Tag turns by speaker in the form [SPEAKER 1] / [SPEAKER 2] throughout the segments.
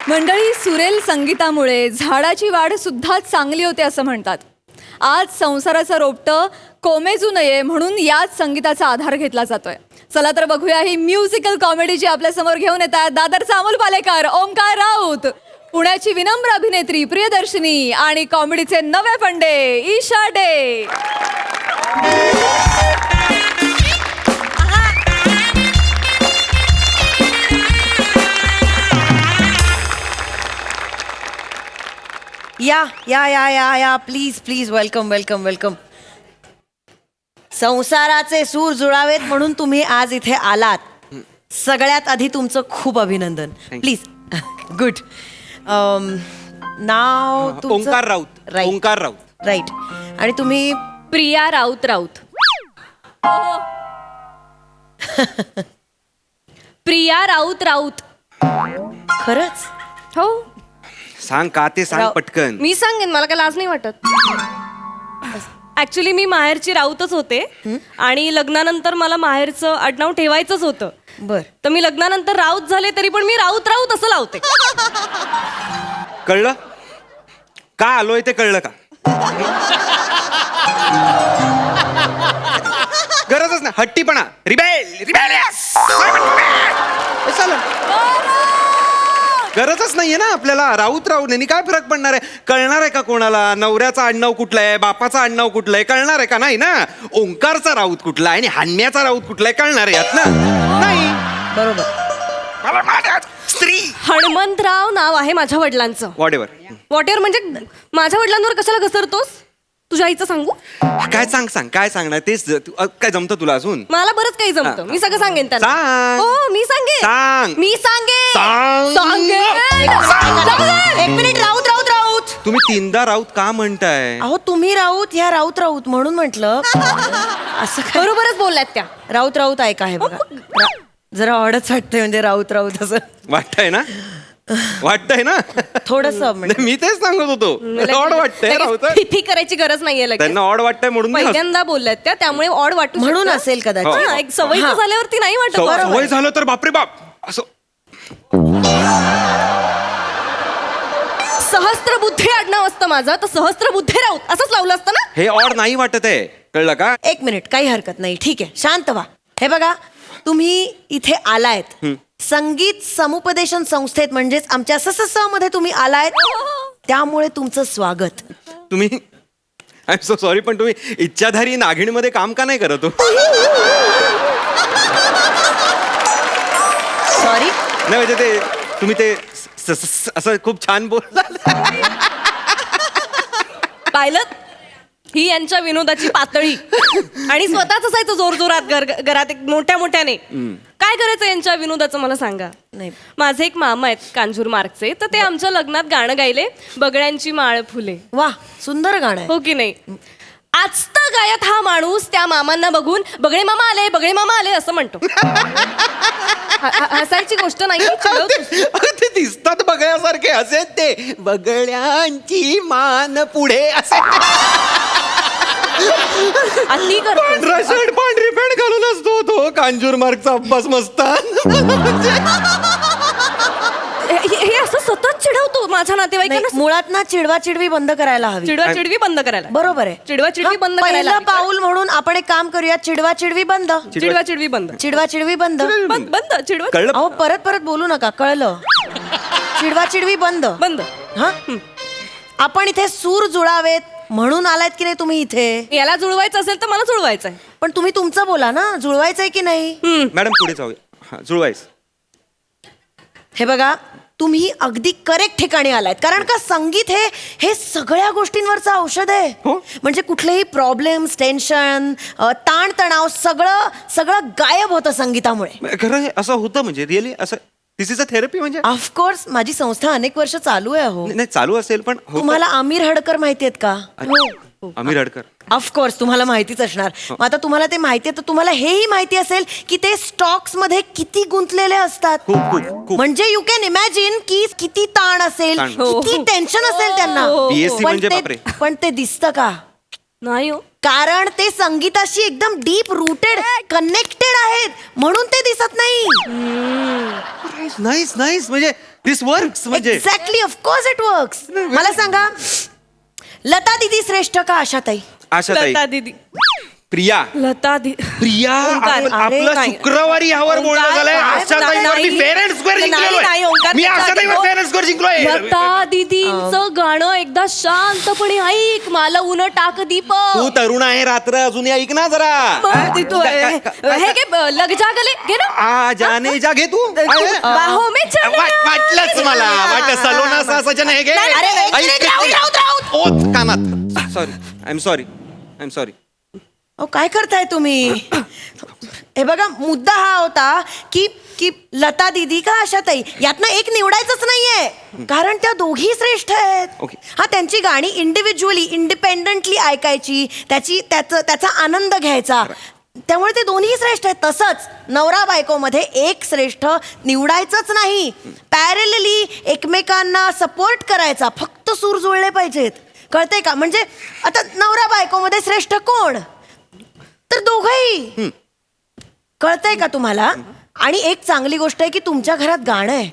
[SPEAKER 1] मंडळी, सुरेल संगीतामुळे झाडाची वाढ सुद्धा चांगली होते असं म्हणतात. आज संसाराचं रोपटं कोमेजू नये म्हणून याच संगीताचा आधार घेतला जातोय. चला तर बघूया ही म्युझिकल कॉमेडी जी आपल्या समोर घेऊन येतात दादरचा अमोल पालेकर, ओंकार राऊत, पुण्याची विनम्र अभिनेत्री प्रियदर्शनी आणि कॉमेडीचे नवे फंडे ईशा डे.
[SPEAKER 2] या या या या या please please welcome welcome welcome. संसाराचे सूर जुळावेत म्हणून तुम्ही आज इथे आलात. सगळ्यात आधी तुमचं खूप अभिनंदन. Please good. नाव तुमचं
[SPEAKER 3] ओंकार राऊत. ओंकार राऊत.
[SPEAKER 2] राईट. आणि तुम्ही
[SPEAKER 1] प्रिया राऊत राऊत. प्रिया राऊत राऊत.
[SPEAKER 2] खरंच
[SPEAKER 1] हो,
[SPEAKER 3] सांग का ते सांग पटकन.
[SPEAKER 4] मी सांगेन, मला काय लाज नाही वाटत. ऍक्च्युली मी माहेरची राऊतच होते आणि लग्नानंतर मला माहेरचं आडनाव ठेवायचंच होतं.
[SPEAKER 2] बर.
[SPEAKER 4] तर मी लग्नानंतर राऊत झाले तरी पण मी राऊत राऊत असं लावते.
[SPEAKER 3] कळलं का आलोय ते कळलं का? गरजच ना हट्टीपणा. गरजच नाहीये ना आपल्याला. राऊत राऊत यांनी काय फरक पडणार आहे? कळणार आहे का कोणाला? नवऱ्याचा आडनाव कुठलं आहे, बापाचा आडनाव कुठलं आहे कळणार आहे का? नाही ना. ओंकारचा राऊत कुठला आहे आणि हान्याचा राऊत कुठला आहे कळणार आहे यात ना? नाही.
[SPEAKER 2] बरोबर.
[SPEAKER 3] स्त्री
[SPEAKER 4] हणमंतराव नाव आहे माझ्या वडिलांचं.
[SPEAKER 3] वॉटेवर.
[SPEAKER 4] वॉटेवर म्हणजे माझ्या वडिलांवर कशाला घसरतोस? तुझ्या आईचं सांगू?
[SPEAKER 3] काय सांग काय सांगणार तेच. काय जमतं तुला अजून?
[SPEAKER 4] मला बरंच काही जमतं. मी सगळं सांगेन त्यांना.
[SPEAKER 3] सांग.
[SPEAKER 4] हो मी सांगेन.
[SPEAKER 3] सांग.
[SPEAKER 4] मी सांगेन.
[SPEAKER 3] सांग.
[SPEAKER 2] एक मिनिट. राऊत राऊत राऊत.
[SPEAKER 3] तुम्ही तीनदा राऊत का म्हणताय?
[SPEAKER 2] अहो तुम्ही राऊत ह्या राऊत राऊत म्हणून म्हटलं. असं काय?
[SPEAKER 4] बरोबरच बोलल्यात त्या.
[SPEAKER 2] राऊत राऊत ऐका हे बघा. जरा ऑडच वाटतंय म्हणजे राऊत राऊत असं
[SPEAKER 3] वाटतंय ना? वाटतंय ना?
[SPEAKER 2] थोडस
[SPEAKER 3] नाही, मी तेच सांगत होतो. ऑड वाटतंय राऊत.
[SPEAKER 4] फिफी करायची गरज नाहीये लगेच.
[SPEAKER 3] त्यांना ऑड वाटतंय म्हणून मी हस-
[SPEAKER 4] पहिल्यांदा बोलल्यात त्या, त्यामुळे ऑड वाटू
[SPEAKER 2] म्हणून
[SPEAKER 4] शकतं.
[SPEAKER 2] असेल
[SPEAKER 3] हो.
[SPEAKER 2] कदाचित.
[SPEAKER 4] हा, एक सवयीचं
[SPEAKER 2] हा.
[SPEAKER 4] झाल्यावरती नाही वाटत.
[SPEAKER 3] सवय झालं तर बापरे बाप असं.
[SPEAKER 4] सहस्त्रबुद्धे आडनाव असतं माझं, तर सहस्त्रबुद्धे राऊत असंच लावलं असतं ना.
[SPEAKER 3] हे ऑड नाही वाटत आहे. कळलं का?
[SPEAKER 2] एक मिनिट. काही हरकत नाही. ठीक आहे. शांत व्हा. हे बघा तुम्ही इथे आलायत संगीत समुपदेशन संस्थेत म्हणजेच आमच्या SSS मध्ये तुम्ही आलायत. त्यामुळे तुमचं स्वागत.
[SPEAKER 3] तुम्ही आय एम सो सॉरी पण तुम्ही इच्छाधारी नागिणीमध्ये काम का नाही करत हो?
[SPEAKER 2] सॉरी.
[SPEAKER 3] नाही म्हणजे ते तुम्ही ते असं खूप छान बोल.
[SPEAKER 4] पाहिलं, ही यांच्या विनोदाची पातळी. आणि स्वतःच असायचं जोर जोरात घरात एक मोठ्या मोठ्याने. काय करायचं यांच्या विनोदाचं मला सांगा.
[SPEAKER 2] नाही.
[SPEAKER 4] माझे एक मामा आहेत कांजूर मार्गचे, तर ते आमच्या लग्नात गाणं गायले, बगड्यांची माळ फुले.
[SPEAKER 2] वा सुंदर गाणं आहे.
[SPEAKER 4] हो की नाही? आजता गायत हा माणूस त्या मामांना बघून बगळे मामा आले, बगळे मामा आले असं म्हणतो. हसायची गोष्ट नाही.
[SPEAKER 3] ते दिसतात बगळ्यासारखे असे ते बगळ्यांची मान पुढे असे.
[SPEAKER 4] अति करतो.
[SPEAKER 3] पांढरा शर्ट पांढरी पॅन्ट घालून असतो तो कांजूर मार्गचा अब्बास मस्तान.
[SPEAKER 4] हे असं सतत चिडवतो माझ्या
[SPEAKER 2] नाही,
[SPEAKER 4] नातेवाईकांना.
[SPEAKER 2] मुळात ना चिडवा चिडवी बंद करायला हवी.
[SPEAKER 4] चिडवा चिडवी बंद करायला.
[SPEAKER 2] बरोबर आहे.
[SPEAKER 4] चिडवा चिडवी
[SPEAKER 2] हा,
[SPEAKER 4] बंद करायला
[SPEAKER 2] पहिलं
[SPEAKER 4] हवी.
[SPEAKER 2] पाऊल म्हणून आपण एक काम करूया. चिडवा चिडवी बंद.
[SPEAKER 4] चिडवा चिडवी बंद.
[SPEAKER 2] चिडवा चिडवी बंद.
[SPEAKER 4] बंद चिडवा
[SPEAKER 3] कळलं?
[SPEAKER 2] अहो परत परत बोलू नका. कळलं? चिडवा चिडवी बंद.
[SPEAKER 4] बंद.
[SPEAKER 2] हा. आपण इथे सूर जुळावेत म्हणून आलायत की नाही तुम्ही इथे?
[SPEAKER 4] याला जुळवायचं असेल तर मला जुळवायचं आहे.
[SPEAKER 2] पण तुम्ही तुमचं बोला ना. जुळवायचंय की नाही?
[SPEAKER 3] मॅडम पुढे जाऊया. हा जुळवायस.
[SPEAKER 2] हे बघा तुम्ही अगदी करेक्ट ठिकाणी आलायत. कारण का संगीत हे सगळ्या गोष्टींवरचं औषध आहे. म्हणजे कुठलेही प्रॉब्लेम्स, टेन्शन, ताणतणाव सगळं सगळं गायब होतं संगीतामुळे.
[SPEAKER 3] खरं हे असं होतं म्हणजे रिअली असं दिस इज अ थेरपी म्हणजे?
[SPEAKER 2] ऑफकोर्स माझी संस्था अनेक वर्ष चालू आहे. हो.
[SPEAKER 3] नाही चालू असेल पण होतं.
[SPEAKER 2] तुम्हाला आमिर हडकर माहिती आहेत का?
[SPEAKER 3] आमिर हडकर.
[SPEAKER 2] ऑफकोर्स तुम्हाला माहितीच असणार. मग आता तुम्हाला ते माहिती आहे तर तुम्हाला हेही माहिती असेल की ते स्टॉक्स मध्ये किती गुंतलेले असतात.
[SPEAKER 3] खूप खूप खूप.
[SPEAKER 2] म्हणजे यू कॅन इमॅजिन की किती ताण असेल,
[SPEAKER 3] ताण.
[SPEAKER 2] किती टेन्शन असेल त्यांना.
[SPEAKER 3] BSc
[SPEAKER 2] पण
[SPEAKER 3] म्हणजे
[SPEAKER 2] ते-
[SPEAKER 3] बापरे.
[SPEAKER 2] पण ते दिसतं का?
[SPEAKER 4] नाही हो.
[SPEAKER 2] कारण ते संगीताशी एकदम डीप रूटेड कनेक्टेड आहेत म्हणून ते दिसत नाही.
[SPEAKER 3] नाईस नाईस, म्हणजे दिस वर्क्स म्हणजे.
[SPEAKER 2] Exactly, of course it works. मला सांगा, लता दीदी श्रेष्ठ का आशाताई?
[SPEAKER 3] आशाताई.
[SPEAKER 4] लता दीदी.
[SPEAKER 3] प्रिया.
[SPEAKER 4] लता दी
[SPEAKER 3] प्रिया,
[SPEAKER 4] ओंकार,
[SPEAKER 3] आपण-
[SPEAKER 2] अरे
[SPEAKER 3] आपलं
[SPEAKER 4] नाही.
[SPEAKER 3] शुक्रवारी ह्यावर बोलणं
[SPEAKER 4] ओंकार,
[SPEAKER 3] झालंय.
[SPEAKER 4] नाही,
[SPEAKER 3] आशाताईवर मी
[SPEAKER 4] नाही.
[SPEAKER 3] फेअर अँड स्क्वेअर
[SPEAKER 4] नाही,
[SPEAKER 3] जिंकलोय.
[SPEAKER 4] नाही, ओंकार,
[SPEAKER 3] मी
[SPEAKER 4] त्याच्या
[SPEAKER 3] आशाताईवर
[SPEAKER 4] आधी-
[SPEAKER 3] फेअर अँड स्क्वेअर जिंकलोय.
[SPEAKER 4] लता दीदींचं गाणं एकदा शांतपणे ऐक, मला उन टाक दीप.
[SPEAKER 3] तू तरुण आहे, रात्र अजूनही ऐक ना जरा.
[SPEAKER 4] हे घे, लग जा गले घे ना.
[SPEAKER 3] आ जाने जा घे तू.
[SPEAKER 4] बाहों में चला.
[SPEAKER 3] वाटलंच मला, वाटलं सलोना सा सजन हे घे.
[SPEAKER 4] नाही, नाही, नाही,
[SPEAKER 2] नाही,
[SPEAKER 3] ऐक
[SPEAKER 2] राऊत,
[SPEAKER 3] ते.
[SPEAKER 2] राऊत, राऊत.
[SPEAKER 3] ओत कानात. Sorry, I am sorry, I am sorry.
[SPEAKER 2] अहो काय करताय तुम्ही? हे बघा, मुद्दा हा होता की की लता दीदी का आशाताई, यातनं एक निवडायचंच नाहीये, कारण त्या दोघी श्रेष्ठ आहेत.
[SPEAKER 3] Okay.
[SPEAKER 2] हा, त्यांची गाणी इंडिव्हिज्युअली इंडिपेंडंटली ऐकायची, त्याचा आनंद घ्यायचा, त्यामुळे ते दोन्ही श्रेष्ठ आहेत. तसंच नवरा बायकोमध्ये एक श्रेष्ठ निवडायचंच नाही, पॅरेलली एकमेकांना सपोर्ट करायचा, फक्त सूर जुळले पाहिजेत. कळतंय का? म्हणजे आता नवरा बायकोमध्ये श्रेष्ठ कोण? तर दोघंही. कळतंय का तुम्हाला? आणि एक चांगली गोष्ट आहे की तुमच्या घरात गाणं आहे.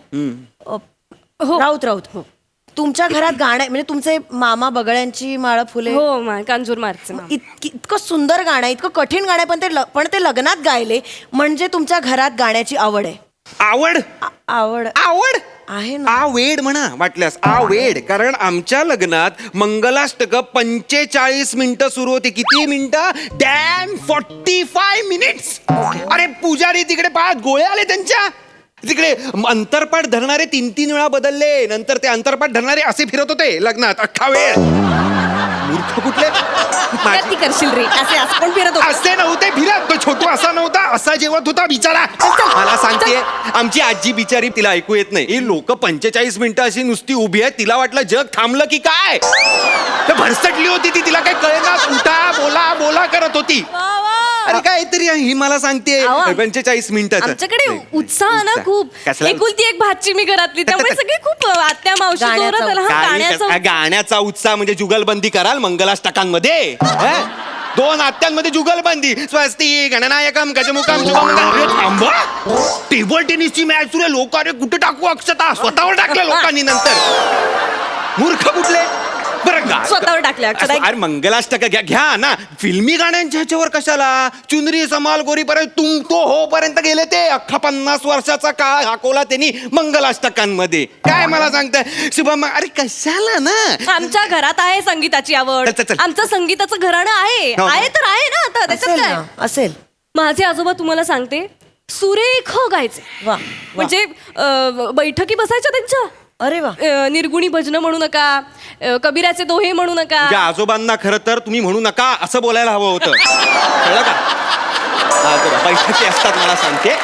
[SPEAKER 4] हो.
[SPEAKER 2] राऊत तुमच्या घरात गाणं आहे, म्हणजे तुमचे मामा बगळ्यांची माळ फुले,
[SPEAKER 4] हो, कांजूर मारचे.
[SPEAKER 2] इतकं सुंदर गाणं आहे, इतकं कठीण गाणं आहे, पण ते लग्नात गायले म्हणजे तुमच्या घरात गाण्याची आवड आहे.
[SPEAKER 3] आवड
[SPEAKER 2] आवड
[SPEAKER 3] आवड
[SPEAKER 2] आहे ना.
[SPEAKER 3] आवेड म्हणा वाटल्यास, आवेड. कारण आमच्या लग्नात मंगलाष्टक 45 मिनिटं सुरू होती. किती मिनिटं? Damn 45 minutes. अरे पुजारी तिकडे 5 गोळे आले त्यांच्या. तिकडे अंतरपाठ धरणारे 3-3 वेळा बदलले. नंतर ते अंतरपाठ धरणारे असे फिरत होते लग्नात अख्खा वेळ. मूर्ख कुठले.
[SPEAKER 4] ती करशील रे, असे असं कोण फिरत होतं?
[SPEAKER 3] असे नव्हते फिरत. तो छोटू असा नव्हता, असा जेवत होता बिचारा. मला सांगते, आमची आजी बिचारी, तिला ऐकू येत नाही. ही लोक 45 मिनिटं अशी नुसती उभी आहेत. तिला वाटलं जग थांबलं की काय. तर भरसटली होती ती, तिला काही कळेना. उठा बोला बोला करत होती. अरे काहीतरी ही मला सांगते
[SPEAKER 4] आवा.
[SPEAKER 3] 45 मिनिटाचं.
[SPEAKER 4] आमच्याकडे उत्साह ना खूप.
[SPEAKER 3] कसला?
[SPEAKER 4] एकुलती एक भाची मी घरातली, त्यामुळे सगळे खूप आत्या मावशी
[SPEAKER 2] गाण्याचा
[SPEAKER 4] जोरात आला. हा, गाण्याचा
[SPEAKER 3] गाण्याचा उत्साह म्हणजे जुगलबंदी कराल मंगलाष्टकांमध्ये. 2 आत्यांमध्ये जुगलबंदी. स्वस्ती गणनायकम गजमुखम शुभमंगल. अरे थांबा, टेबल टेनिसची मॅच सुरू आहे. लोक अरे कुठे टाकू अक्षता, स्वतःवर टाकल्या लोकांनी नंतर. मूर्ख कुठले. बरं गा
[SPEAKER 4] स्वतःवर टाकल्या अक्षता.
[SPEAKER 3] अरे मंगलाष्टक घ्या ना. फिल्मी गाण्यांच्या ह्याच्यावर कशाला. चुनरी समाल गोरीपर्यंत तुम तो हो पर्यंत गेले ते. अख्खा 50 वर्षाचा काळ हाकवला त्यांनी मंगलाष्टकांमध्ये. काय मला सांगताय शुभम. अरे कशाला ना.
[SPEAKER 4] आमच्या घरात आहे संगीताची आवड.
[SPEAKER 3] चल, चल, चल.
[SPEAKER 4] आमचं संगीताचं घराणं आहे.
[SPEAKER 3] हो, हो.
[SPEAKER 4] आहे तर आहे ना आता, त्याच्यात
[SPEAKER 2] असेल
[SPEAKER 4] काय.
[SPEAKER 2] ना, असेल.
[SPEAKER 4] माझे आजोबा तुम्हाला सांगते सुरेख गायचे.
[SPEAKER 2] वा,
[SPEAKER 4] म्हणजे बैठकी बसायच्या त्यांच्या.
[SPEAKER 2] अरे वा.
[SPEAKER 4] निर्गुणी भजनं म्हणू नका, कबीराचे दोहे म्हणू नका.
[SPEAKER 3] तुझ्या आजोबांना खरं तर तुम्ही म्हणू नका असं बोलायला हवं होतं. कळलं का. आजोबा बैठकी असतात मला सांगते.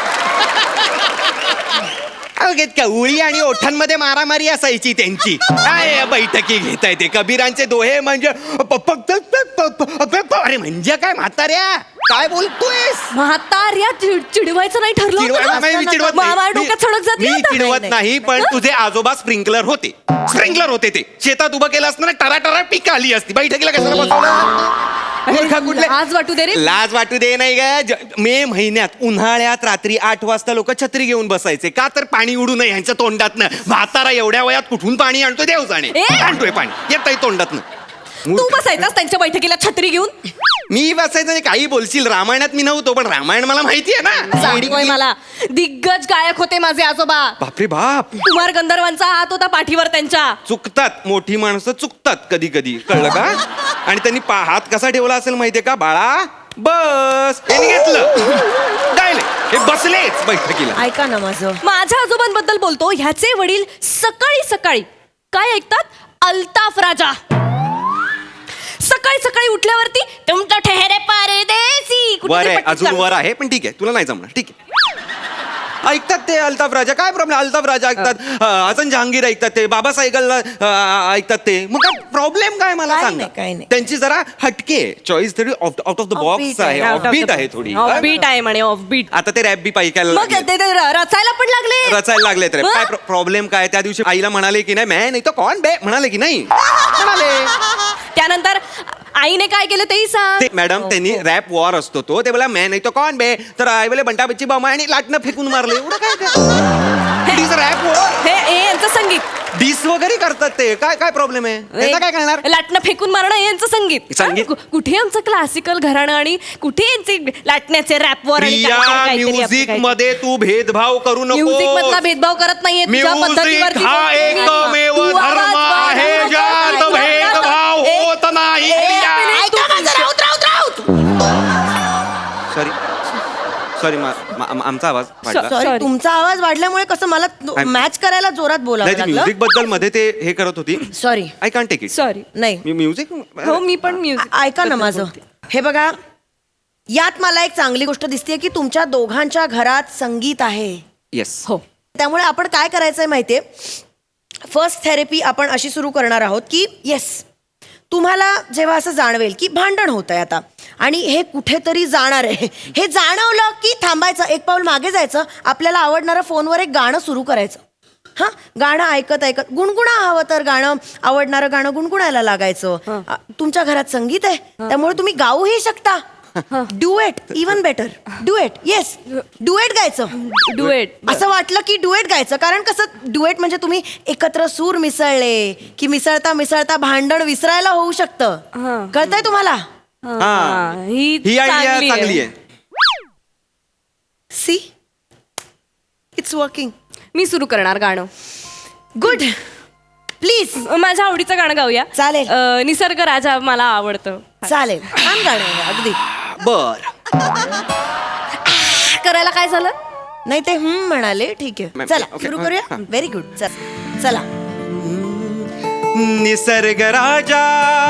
[SPEAKER 3] उळी आणि ओठांमध्ये मारामारी असायची त्यांची. काय बैठकी घेताय ते. कबीरांचे दोहे म्हणजे अरे म्हणजे काय म्हाताऱ्या काय बोलतोयस.
[SPEAKER 4] म्हाताऱ्या चिडवायचं नाही ठरलं होतं ना?
[SPEAKER 3] मी चिडवत
[SPEAKER 4] मामा डोक्यात सडक जाते
[SPEAKER 3] मी
[SPEAKER 4] आता.
[SPEAKER 3] चिडवत नाही, पण तुझे आजोबा स्प्रिंकलर होते. स्प्रिंकलर होते ते. शेतात उभं केलं असतं ना, टरा पीक आली असती. बैठकीला कशाला बसवलं. मूर्ख कुठले.
[SPEAKER 4] लाज वाटू दे रे.
[SPEAKER 3] लाज वाटू दे नाही का. मे महिन्यात उन्हाळ्यात रात्री 8 वाजता लोक छत्री घेऊन बसायचे. का तर पाणी उडू नये ह्यांच्या तोंडातनं. म्हातारा एवढ्या वयात कुठून पाणी आणतोय देव जाणे.
[SPEAKER 4] ए!
[SPEAKER 3] आणतोय पाणी येतंय तोंडातनं.
[SPEAKER 4] तू बसायचास त्यांच्या बैठकीला छत्री घेऊन.
[SPEAKER 3] मी बसायचं नाही. काही बोलशील. रामायणात मी नव्हतो, पण रामायण मला माहिती आहे ना.
[SPEAKER 4] सांगतोय मला. दिग्गज गायक होते माझे आजोबा.
[SPEAKER 3] बापरे बाप.
[SPEAKER 4] कुमार गंधर्वांचा हात होता पाठीवर त्यांच्या.
[SPEAKER 3] चुकतात मोठी माणसं, चुकतात कधी कधी. कळलं का. आणि त्यांनी हात कसा ठेवला असेल माहितीये का. बाळा बस. यांनी घेतलं गायले. हे बसलेच बैठकीला.
[SPEAKER 2] ऐका ना माझं.
[SPEAKER 4] माझ्या आजोबांबद्दल बोलतो. ह्याचे वडील सकाळी सकाळी काय ऐकतात. अल्ताफ राजा. सकाळी सकाळी उठल्यावरती तुमचं ठेहरे परदेसी. कुठे
[SPEAKER 3] वर
[SPEAKER 4] तरी
[SPEAKER 3] आहे,
[SPEAKER 4] पट्टीत
[SPEAKER 3] अजून
[SPEAKER 4] चालू.
[SPEAKER 3] वर आहे, पण ठीक आहे तुला नाही जमणार. ठीक आहे. ऐकतात ते अल्ताफ राजा. काय प्रॉब्लेम. अल्ताफ राजा ऐकतात. हसन जहांगीर ऐकतात ते. बाबा सायगल ऐकतात ते. मग काय प्रॉब्लेम काय मला
[SPEAKER 2] काही
[SPEAKER 3] सांग.
[SPEAKER 2] नाही, काही नाही.
[SPEAKER 3] त्यांची जरा हटके चॉईस थोडी out of the box
[SPEAKER 2] Offbeat
[SPEAKER 3] आहे.
[SPEAKER 2] आहे.
[SPEAKER 3] ऑफबीट आहे थोडी.
[SPEAKER 4] ऑफबीट आहे म्हणे ऑफबीट.
[SPEAKER 3] आता ते रॅप बी पाहिजे
[SPEAKER 4] मग ते रचायला पण लागले.
[SPEAKER 3] रचायला लागलेत रे.
[SPEAKER 4] मग?
[SPEAKER 3] काय प्रॉब्लेम काय. त्या दिवशी आईला म्हणाले की नाही, मैं नाही तो कौन बे म्हणाले की नाही. म्हणाले.
[SPEAKER 4] त्यानंतर आईने काय केलं तेही सांग.
[SPEAKER 3] ते मॅडम त्यांनी रॅप वॉर असतो तो ते बोला मैं नाही तो कौन बे तर आई बोले बंटा बच्ची बॉम्ब आणि लाटणं फेकून मारले एवढं काय रॅप वॉर
[SPEAKER 4] हे यांचं संगीत.
[SPEAKER 3] डिस वगैरे करतात ते काय काय प्रॉब्लेम आहे त्याचा काय करणार
[SPEAKER 4] लाटणं फेकून मारणं हे यांचं संगीत.
[SPEAKER 3] संगीत?
[SPEAKER 4] कुठे आमचं क्लासिकल घराणं आणि कुठे यांचे लाटण्याचे रॅपवर
[SPEAKER 3] प्रिया म्युझिक मध्ये तू भेदभाव करू नको.
[SPEAKER 4] म्युझिक मधला भेदभाव करत नाहीये तुझ्या
[SPEAKER 3] म्युझिक
[SPEAKER 4] पद्धतीवरती
[SPEAKER 3] हा
[SPEAKER 4] बोलते मी.
[SPEAKER 3] एकमेव
[SPEAKER 4] तू आवाज
[SPEAKER 3] धर्म
[SPEAKER 4] वाढव
[SPEAKER 3] आहे
[SPEAKER 4] नको.
[SPEAKER 3] ज्यात भेदभाव होत नाही.
[SPEAKER 2] ऐका माझं, राऊत.
[SPEAKER 3] सॉरी सॉरी आमचा आवाज वाढला
[SPEAKER 2] सॉरी,
[SPEAKER 4] Sorry.
[SPEAKER 2] तुमचा आवाज वाढल्यामुळे कसं मला मॅच करायला जोरात बोलावं
[SPEAKER 3] नाही
[SPEAKER 2] लागलं.
[SPEAKER 3] म्युझिक बद्दल मध्ये ते हे करत होती
[SPEAKER 2] sorry.
[SPEAKER 3] I can take it.
[SPEAKER 4] Sorry.
[SPEAKER 2] नाही
[SPEAKER 3] म्युझिक
[SPEAKER 4] हो मी पण म्युझिक
[SPEAKER 2] ऐका ना माझं. हे बघा, यात मला एक चांगली गोष्ट दिसते की तुमच्या दोघांच्या घरात संगीत आहे.
[SPEAKER 3] येस
[SPEAKER 4] हो.
[SPEAKER 2] त्यामुळे आपण काय करायचंय माहितीये, फर्स्ट थेरपी आपण अशी सुरू करणार आहोत की येस, तुम्हाला जेव्हा असं जाणवेल की भांडण होत आहे आता आणि हे कुठेतरी जाणार आहे, हे जाणवलं की थांबायचं, एक पाऊल मागे जायचं, आपल्याला आवडणारं फोनवर एक गाणं सुरू करायचं. हां, गाणं ऐकत ऐकत गुणगुणा हवं तर गाणं, आवडणारं गाणं गुणगुणायला लागायचं. तुमच्या घरात संगीत आहे त्यामुळे तुम्ही गाऊही शकता. Duet, even better duet. Yes, duet गायचं.
[SPEAKER 4] डुएट.
[SPEAKER 2] असं वाटलं की डुएट गायचं, कारण कसं डुएट म्हणजे तुम्ही एकत्र सूर मिसळले की मिसळता मिसळता भांडण विसरायला होऊ शकतं. कळतंय तुम्हाला?
[SPEAKER 3] ही आयडिया चांगली आहे.
[SPEAKER 2] C, it's working.
[SPEAKER 4] मी सुरू करणार गाणं.
[SPEAKER 2] गुड. प्लीज.
[SPEAKER 4] माझ्या आवडीचं गाणं गाऊया.
[SPEAKER 2] चालेल.
[SPEAKER 4] निसर्ग राजा मला आवडतं.
[SPEAKER 2] चालेल, छान गाणं आहे, अगदी.
[SPEAKER 3] बर
[SPEAKER 4] करायला काय झालं?
[SPEAKER 2] नाही ते म्हणाले, ठीक आहे.
[SPEAKER 3] मॅम,
[SPEAKER 2] चला
[SPEAKER 3] ओके,
[SPEAKER 2] सुरू करूया.
[SPEAKER 3] हां.
[SPEAKER 2] Very good. चला.
[SPEAKER 3] निसर्ग राजा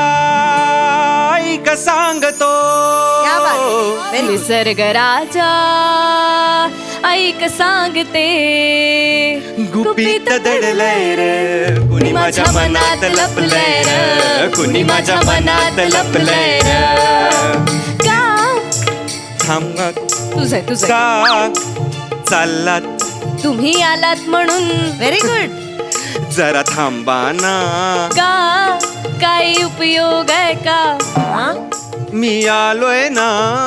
[SPEAKER 3] ऐक सांगतो.
[SPEAKER 2] क्या बात आहे. Very good.
[SPEAKER 4] निसर्ग राजा ऐक सांगते,
[SPEAKER 3] गुपित दडलंय र कुणी माझ्या मनात लपलंय र कुणी माझ्या मनात लपलंय र.
[SPEAKER 4] का
[SPEAKER 3] थांब
[SPEAKER 4] तुझं
[SPEAKER 3] का चाललात
[SPEAKER 4] तुम्ही आलात म्हणून.
[SPEAKER 2] Very good.
[SPEAKER 3] जरा थांबा ना
[SPEAKER 4] का काही उपयोग आहे का?
[SPEAKER 3] मी आलोय ना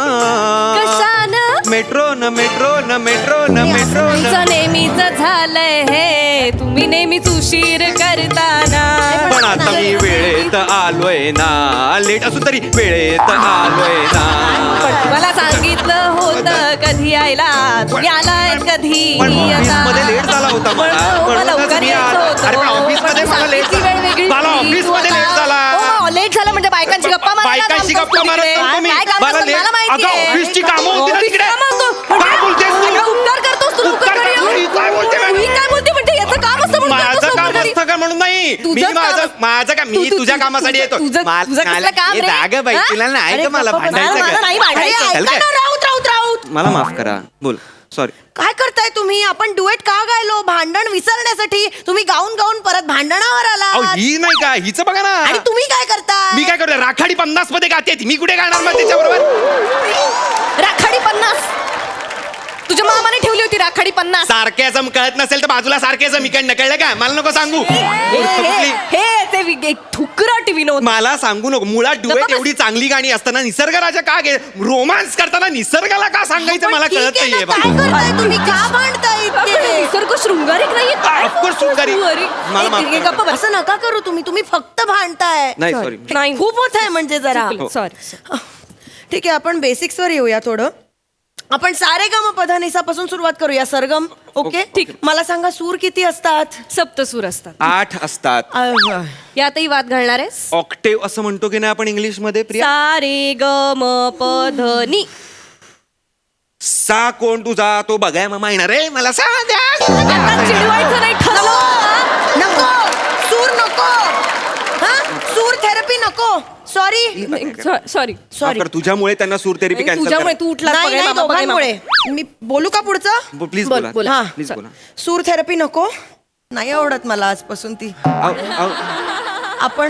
[SPEAKER 4] कशानं?
[SPEAKER 3] मेट्रो न मेट्रो न मेट्रो न मेट्रो न.
[SPEAKER 4] तुमचं नेहमीच झालंय हे, तुम्ही नेहमीच उशीर करताना.
[SPEAKER 3] पण आता मी वेळेत आलोय ना, लेट असून तरी वेळेत आलोय ना.
[SPEAKER 4] मला सांगितलं होतं कधी यायला, तुम्ही आलाय कधी
[SPEAKER 3] पण ऑफिसमध्ये
[SPEAKER 4] आता?
[SPEAKER 3] लेट झाला होता मला.
[SPEAKER 4] पण
[SPEAKER 3] म्हणूनच
[SPEAKER 4] लवकर
[SPEAKER 3] मी
[SPEAKER 4] यायचं
[SPEAKER 3] आलो.
[SPEAKER 4] होतं.
[SPEAKER 3] अरे पण ऑफिसमध्ये
[SPEAKER 4] पण
[SPEAKER 3] मला लेट
[SPEAKER 4] सांगितली
[SPEAKER 3] झाला.
[SPEAKER 4] वेळ वेगळी
[SPEAKER 3] मला
[SPEAKER 4] होती.
[SPEAKER 3] ऑफिसमध्ये
[SPEAKER 4] तू
[SPEAKER 3] लेट
[SPEAKER 4] आता-
[SPEAKER 3] झाला.
[SPEAKER 4] हो, लेट झालं म्हणजे बायकांची गप्पा मारायला
[SPEAKER 3] बायकांशी
[SPEAKER 4] थांबतोस
[SPEAKER 3] गप्पा
[SPEAKER 4] तू
[SPEAKER 3] मारत
[SPEAKER 4] तिकडे.
[SPEAKER 3] नव्हतो मी.
[SPEAKER 4] काय काम
[SPEAKER 3] मला
[SPEAKER 4] असतं
[SPEAKER 3] लेट-
[SPEAKER 4] मला माहिती
[SPEAKER 3] अगं,
[SPEAKER 4] आहे.
[SPEAKER 3] ऑफिसची कामं होती ना
[SPEAKER 4] ऑफिसची
[SPEAKER 3] तिकडे.
[SPEAKER 4] कामं होतो.
[SPEAKER 3] काय बोलतेस तू?
[SPEAKER 4] अगं, उपकार करतोस तू लवकर
[SPEAKER 3] उपकार
[SPEAKER 4] घरी
[SPEAKER 3] करतो?
[SPEAKER 4] ये.
[SPEAKER 3] ही काय बोलते मॅडम?
[SPEAKER 4] ही काय बोलते म्हणजे याचं काम असतं म्हणून
[SPEAKER 3] माझं
[SPEAKER 4] करतोस
[SPEAKER 3] काम
[SPEAKER 4] लवकर घरी.
[SPEAKER 3] असतं का म्हणून नाही. मी
[SPEAKER 4] तुझंच काम
[SPEAKER 3] माझं
[SPEAKER 4] असतं.
[SPEAKER 3] माझं काम मी
[SPEAKER 4] तू-
[SPEAKER 3] तुझ्या
[SPEAKER 4] तू-
[SPEAKER 3] कामासाठी येतो.
[SPEAKER 4] तुझं कसलं काम रे?
[SPEAKER 3] जाग बाई
[SPEAKER 4] हा?
[SPEAKER 3] तुला नाही
[SPEAKER 2] अरे
[SPEAKER 3] का मला
[SPEAKER 2] गप्पा बस.
[SPEAKER 3] भांडायचं
[SPEAKER 4] मला
[SPEAKER 3] का?
[SPEAKER 4] नाही भांडायचं.
[SPEAKER 3] चल काय?
[SPEAKER 2] राऊत.
[SPEAKER 3] मला माफ करा. बोल. सॉरी.
[SPEAKER 2] काय करताय तुम्ही? आपण डुएट का गायलो? भांडण विसरण्यासाठी. तुम्ही गाऊन गाऊन परत भांडणावर
[SPEAKER 3] अहो
[SPEAKER 2] आला.
[SPEAKER 3] ही नाही का हिचं बघा ना.
[SPEAKER 2] आणि तुम्ही काय करताय?
[SPEAKER 3] मी काय करतो राखाडी 50 मध्ये गाते ती. मी कुठे गाणार मग त्याच्याबरोबर.
[SPEAKER 4] राखाडी 50 तुझ्या मामाने ठेवली होती राखाडी 50.
[SPEAKER 3] सारख्याचं कळत नसेल तर बाजूला सारख्याचं मी काय कळलं का मला नको सांगू. कुठली?
[SPEAKER 4] हे ठुकरट विनोद.
[SPEAKER 3] मला सांगू नको. मुळात
[SPEAKER 4] गप्पा
[SPEAKER 3] डुएट
[SPEAKER 4] बस.
[SPEAKER 3] एवढी चांगली गाणी असताना निसर्ग राजा का गे रोमांस करताना निसर्गाला का सांगायचं मला
[SPEAKER 2] ठीक
[SPEAKER 3] कळत
[SPEAKER 2] आहे
[SPEAKER 3] नाहीये
[SPEAKER 2] ना, काय
[SPEAKER 3] बा.
[SPEAKER 2] करताय तुम्ही? का भांडताय
[SPEAKER 4] आपण
[SPEAKER 2] इतके?
[SPEAKER 4] निसर्ग शृंगारिक नाहीये काय?
[SPEAKER 3] Of course शृंगारिक. मला माफ करा.
[SPEAKER 2] गप्पा बस. असं नका करू तुम्ही फक्त भांडताय.
[SPEAKER 3] नाही सॉरी.
[SPEAKER 4] नाही
[SPEAKER 2] खूप होत आहे म्हणजे जरा.
[SPEAKER 4] सॉरी.
[SPEAKER 2] ठीक आहे, आपण बेसिक्सवर येऊया थोडं. आपण सारेगमपधनिसा पासून सुरुवात करूया. सरगम. ओके,
[SPEAKER 4] ठीक.
[SPEAKER 2] मला सांगा, सूर किती असतात?
[SPEAKER 4] सप्तसूर असतात.
[SPEAKER 3] 8 असतात.
[SPEAKER 4] यातही वाद घालणार आहेस?
[SPEAKER 3] ऑक्टेव असं म्हणतो की नाही आपण इंग्लिश मध्ये प्रिया.
[SPEAKER 4] सा रे ग म प ध नि.
[SPEAKER 3] सा कोण तुझा तो बघाय मामा येणार रे मला सांग द्या.
[SPEAKER 4] आता चिडवायचं नाही ठरलं.
[SPEAKER 2] नको सूर नको. हा, सूर थेरपी नको. सॉरी.
[SPEAKER 4] सॉरी.
[SPEAKER 2] सॉरी.
[SPEAKER 3] तुझ्यामुळे त्यांना सूर थेरपी कॅन्सल
[SPEAKER 4] तुझ्यामुळे तू उठला
[SPEAKER 2] नाही नाही, दोघांमुळे. मी बोलू का पुढचं?
[SPEAKER 3] प्लीज
[SPEAKER 4] बोल,
[SPEAKER 3] बोला
[SPEAKER 4] बोला.
[SPEAKER 2] हा.
[SPEAKER 3] प्लीज बोला.
[SPEAKER 2] सूर थेरपी नको. नाही आवडत मला आजपासून ती. आपण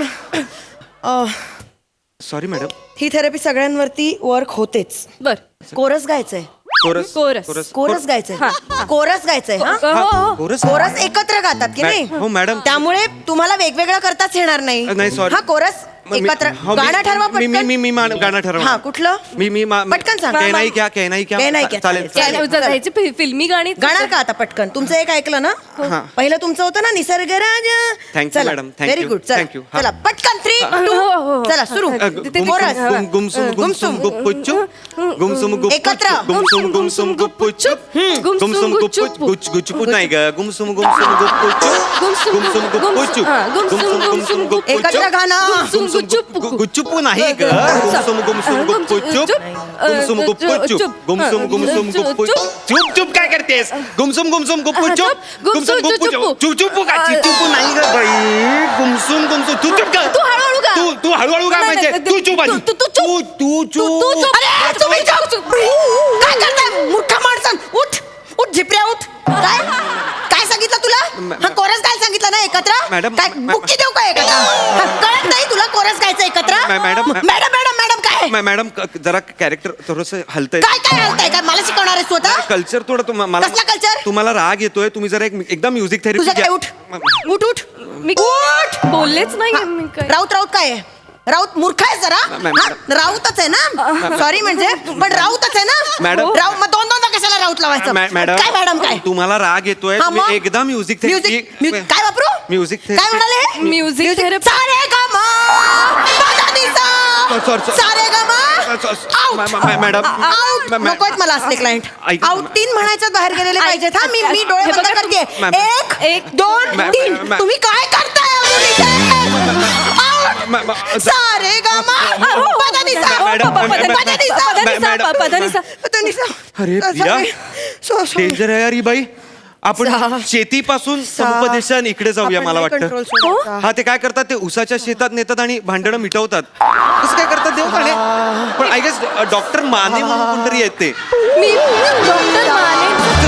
[SPEAKER 3] सॉरी मॅडम.
[SPEAKER 2] ही थेरपी सगळ्यांवरती वर्क होतेच.
[SPEAKER 4] बर.
[SPEAKER 2] कोरस गायचंय.
[SPEAKER 3] Chorus
[SPEAKER 4] chorus.
[SPEAKER 2] कोरस गायचंय. कोरस गायचंय. हा,
[SPEAKER 4] हो.
[SPEAKER 3] कोरस
[SPEAKER 2] कोरस एकत्र गातात की नाही?
[SPEAKER 3] हो मॅडम.
[SPEAKER 2] त्यामुळे तुम्हाला वेगवेगळं करताच येणार नाही.
[SPEAKER 3] नाही, sorry.
[SPEAKER 2] हा, कोरस एकत्र
[SPEAKER 3] हो,
[SPEAKER 2] गाणं ठरवा
[SPEAKER 3] मी
[SPEAKER 2] पटकन.
[SPEAKER 3] गाणं ठरवा
[SPEAKER 2] हा कुठलं
[SPEAKER 3] मी
[SPEAKER 2] पटकन सांग.
[SPEAKER 3] कहनाई क्या
[SPEAKER 2] चालेल.
[SPEAKER 4] ह्याची फिल्मी गाणी
[SPEAKER 2] गाणार का आता पटकन तुमचं एक ऐकलं ना
[SPEAKER 3] हा.
[SPEAKER 2] पहिलं तुमचं होतं ना निसर्ग राज.
[SPEAKER 3] Thank you, madam. Thank
[SPEAKER 2] very
[SPEAKER 3] you.
[SPEAKER 2] Good
[SPEAKER 3] Thank you. हा.
[SPEAKER 2] चला पटकन 3 2 चला सुरू कोरस.
[SPEAKER 3] गुमसुम गुप्पुचुप गुमसुम गुप्पुचुप
[SPEAKER 2] एकत्र.
[SPEAKER 3] गुमसुम गुमसुम गुप्पुचुप गुमसुम गुप्पुच गुच गुचपुत नाही ग गुमसुम गुमसुम गुप्पुचुप गुमसुम गुप्पुचुप गुमसुम गुप्पुचुप
[SPEAKER 2] एकत्र गाणं.
[SPEAKER 3] गुच्चुपू नाही ग गुमसुम गुमसुम गुप्पुचुप गुमसुम गुप्पुचुप गुमसुम गुमसुम गुप्पुचुप चुप चुप काय करतेस गुमसुम गुमसुम गुप्पुचुप गुमसुम गुप्पुचुप चुप चुप का चिचुपू नाही ग बाई गुमसुम गुमसुम तू चुप कर
[SPEAKER 4] तू हळूहळू गा.
[SPEAKER 3] तू हळूहळू का म्हणजे तू चुप आधी
[SPEAKER 4] तू चुप.
[SPEAKER 3] तू चुप
[SPEAKER 2] अरे तुम्ही चुप. काय करताय मूर्ख माणसं उठ उठ झिपऱ्या उठ काय काय सांगितलं तुला हा कोरस काय सांगितलं ना एकत्र
[SPEAKER 3] मॅडम,
[SPEAKER 2] काय बुक्की देऊ का एकत्र हा, कळत नाही तुला कोरस गायचं एकत्र
[SPEAKER 3] मॅडम,
[SPEAKER 2] मॅडम मॅडम मॅडम काय
[SPEAKER 3] मॅडम जरा कॅरेक्टर थोडस हलतंय
[SPEAKER 2] काय काय हलतंय काय मला शिकवणार आहे स्वतः
[SPEAKER 3] कल्चर थोडं मला
[SPEAKER 2] कसला culture?
[SPEAKER 3] तुम्हाला राग येतोय तुम्ही जरा एकदा म्युझिक
[SPEAKER 2] तुझं
[SPEAKER 3] थेरपी
[SPEAKER 2] काय उठ उठ उठ
[SPEAKER 4] मी
[SPEAKER 2] उठ
[SPEAKER 4] बोललेच नाही मी काय.
[SPEAKER 2] राऊत राऊत काय आहे राऊत मूर्ख आहे जरा
[SPEAKER 3] मॅम,
[SPEAKER 2] हा, राऊतच आहे ना सॉरी म्हणजे पण राऊतच आहे ना
[SPEAKER 3] मॅडम.
[SPEAKER 2] राऊत मग दोनदा कशाला राऊत लावायचं
[SPEAKER 3] मॅडम
[SPEAKER 2] काय मॅडम काय
[SPEAKER 3] तुम्हाला राग येतोय
[SPEAKER 2] हा,
[SPEAKER 3] तुम्ही
[SPEAKER 2] मग?
[SPEAKER 3] एकदा म्युझिक थेरपी
[SPEAKER 2] काय वापरू
[SPEAKER 3] म्युझिक
[SPEAKER 2] काय
[SPEAKER 3] थेरपी
[SPEAKER 2] म्हणाले
[SPEAKER 4] म्युझिक थेरपी.
[SPEAKER 2] सारे गा
[SPEAKER 3] Sorry.
[SPEAKER 2] सारे गा
[SPEAKER 3] मॅडम
[SPEAKER 2] नकोच मला असले क्लायंट
[SPEAKER 3] ऐका.
[SPEAKER 2] आउट 3 म्हणायच्यात बाहेर गेलेले पाहिजेत हा मी डोळे
[SPEAKER 4] हे
[SPEAKER 2] बंद
[SPEAKER 4] बघा
[SPEAKER 2] करते
[SPEAKER 3] मॅम.
[SPEAKER 2] 1 2
[SPEAKER 3] ma'am,
[SPEAKER 2] 3
[SPEAKER 3] ma'am.
[SPEAKER 2] तुम्ही काय करताय आउट सारे गा
[SPEAKER 3] अरे प्रिया डेंजर आहे यार ही बाई आपण शेतीपासून समुपदेशन इकडे जाऊया मला वाटतं हा ते काय करतात ते उसाच्या शेतात नेतात आणि भांडणं मिटवतात कसं काय करतात देव काढे पण आय गेस डॉक्टर माने म्हणून कोणतरी आहेत ते
[SPEAKER 4] मी डॉक्टर माने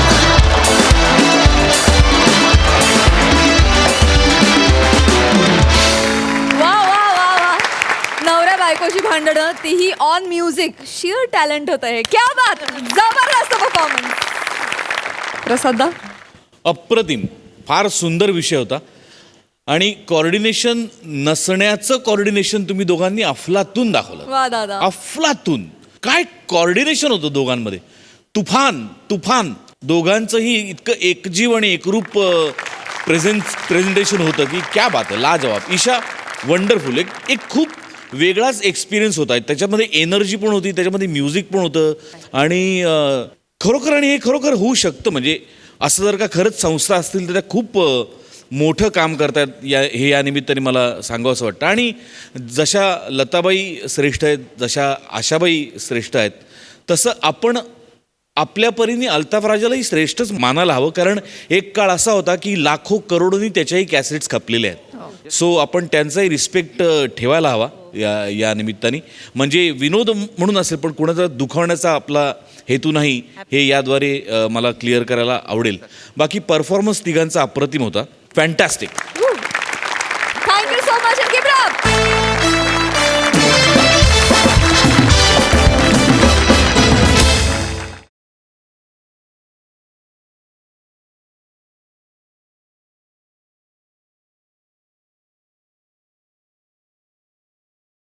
[SPEAKER 1] वा वा वा वा नवऱ्या बायकोची भांडणं तीही ऑन म्युझिक शिअर टॅलेंट होतं हे क्या बात जबरदस्त परफॉर्मन्स प्रसादा
[SPEAKER 5] अप्रतिम फार सुंदर विषय होता आणि कॉर्डिनेशन नसण्याचं कॉर्डिनेशन तुम्ही दोघांनी अफलातून दाखवलं
[SPEAKER 1] वा दादा
[SPEAKER 5] अफलातून काय कॉर्डिनेशन होतं दोघांमध्ये तुफान तुफान दोघांचंही इतकं एकजीव आणि एकरूप प्रेझेंटेशन होतं की क्या बात आहे लाजवाब ईशा वंडरफुल एक खूप वेगळाच एक्सपिरियन्स होता त्याच्यामध्ये एनर्जी पण होती त्याच्यामध्ये म्युझिक पण होतं आणि खरोखर आणि हे खरोखर होऊ शकतं म्हणजे असं जर का खरंच संस्था असतील तर त्या खूप मोठं काम करतात या निमित्ताने मला सांगावं असं वाटतं आणि जशा लताबाई श्रेष्ठ आहेत जशा आशाबाई श्रेष्ठ आहेत तसं आपण आपल्या परीने अल्ताफ राजालाही श्रेष्ठच मानायला हवं कारण एक काळ असा होता की लाखो करोडोनी त्याच्याही कॅसेट्स खपलेले आहेत सो आपण त्यांचाही रिस्पेक्ट ठेवायला हवा या निमित्ताने म्हणजे विनोद म्हणून असेल पण कुणाचा दुखावण्याचा आपला हेतू नाही हे याद्वारे मला क्लिअर करायला आवडेल बाकी परफॉर्मन्स तिघांचा अप्रतिम होता fantastic
[SPEAKER 1] thank you so much keep it up